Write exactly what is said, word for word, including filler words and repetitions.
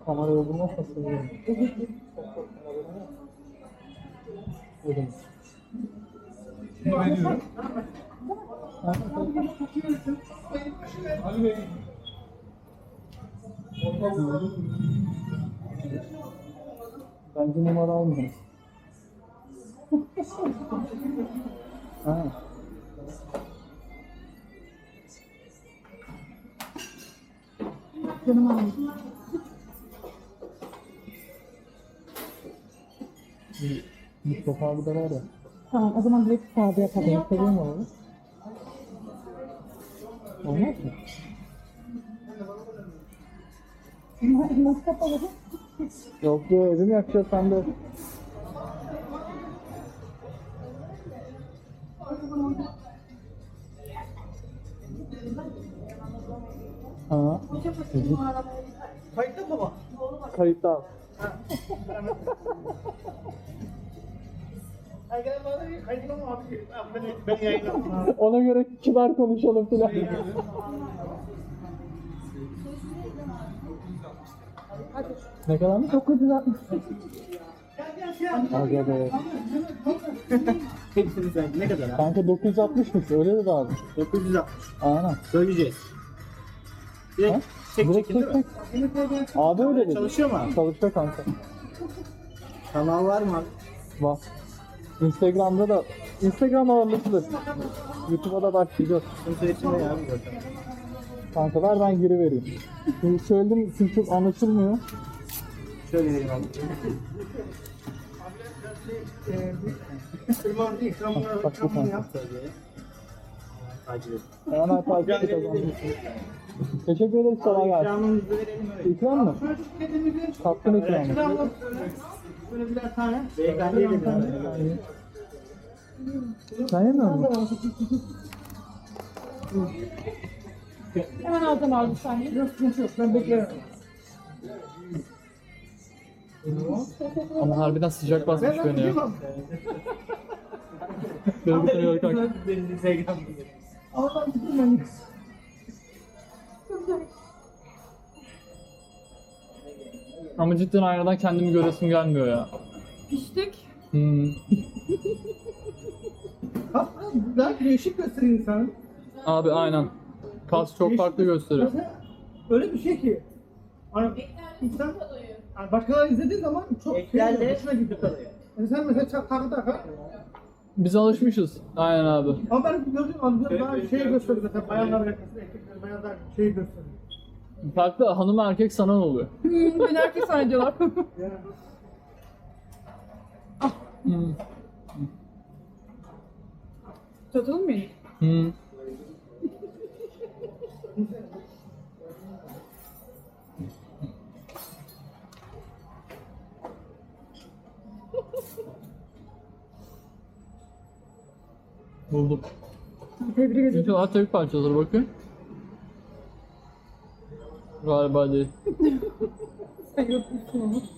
Kamerayı bulmazsa seviyorum. Öyle. Bunu veriyorum. Ali Bey. Bence numara almıyorum. Ha. Canım aldım. Mustafa abi de var ya. Tamam o zaman direkt sağda yapalım. Senin seviyor mu abi? Olmaz mı? Nasıl kapalı? Yok yok evimi yakacağız sen de. Ha. Kayıtta mı baba? Kayıtta al. Ay gel bana bir kayıtlı mı abi? Ben, ben yayınladım abi. Ona göre kibar konuşalım filan. Ne kadar mı? dokuz yüz altmış. Aga be. Hepsini sen ne kadar abi? Kanka dokuz yüz altmışmış öyle dedi abi. dokuz yüz altmış. Aynen. Söyleyeceğiz. Ha? Direkt çek Direkt çekin değil çek mi? çek. Abi öyle dedi. Çalışıyor mu abi? Çalışıyor kanka. Kanal var mı abi? Bak. Instagram'da da Instagram ağırlıklı. YouTube'a da başlayacağız. Sıkıntı içinde ya abi zaten. Kanka ver ben geri vereyim. Şimdi söyledim çünkü çok anlaşılmıyor. Şöyle vereyim abi. Kırmızı ikramını Bak bu kanka. yap. Takip et. Hemen takip et o zaman. Teşekkür ederiz kolay gelsin. İkramımızı verelim öyle. İkram mı? Kaptın ikramı. Böyle birer tane. Beyefendiye de tane. Sen yemiyor musun? Hemen alacağım abi saniye. Yok yok yok ben beklerim. Ama harbiden sıcak basmış beni ya. Beni bitiriyor kanka. Ama ben gittim. Ama cidden aynadan kendimi göresim gelmiyor ya. Piştik. Hmm. Bak daha değişik gösteriyor insanı. Abi aynen. Kas çok farklı gösteriyor. Mesela öyle bir şey ki. Hani insan yani başkaları izlediği zaman çok şey hoşuna gidiyor tabii. Yani sen mesela çak takı takı. Biz alışmışız. Aynen abi. Ama ben gördüğüm anda daha şey gösteriyor mesela bayanlar yakasında erkekler bayanlar şey gösteriyor. Farklı hanım erkek sanan oluyor. Hmm, beni herkes zannediyorlar. Yani Hmm. Çatalım mı? Hmm. Buldum. Tebrik ederim. İnşallah tek parçadır bakın. Galiba değil. Sen yokmuşsun onu.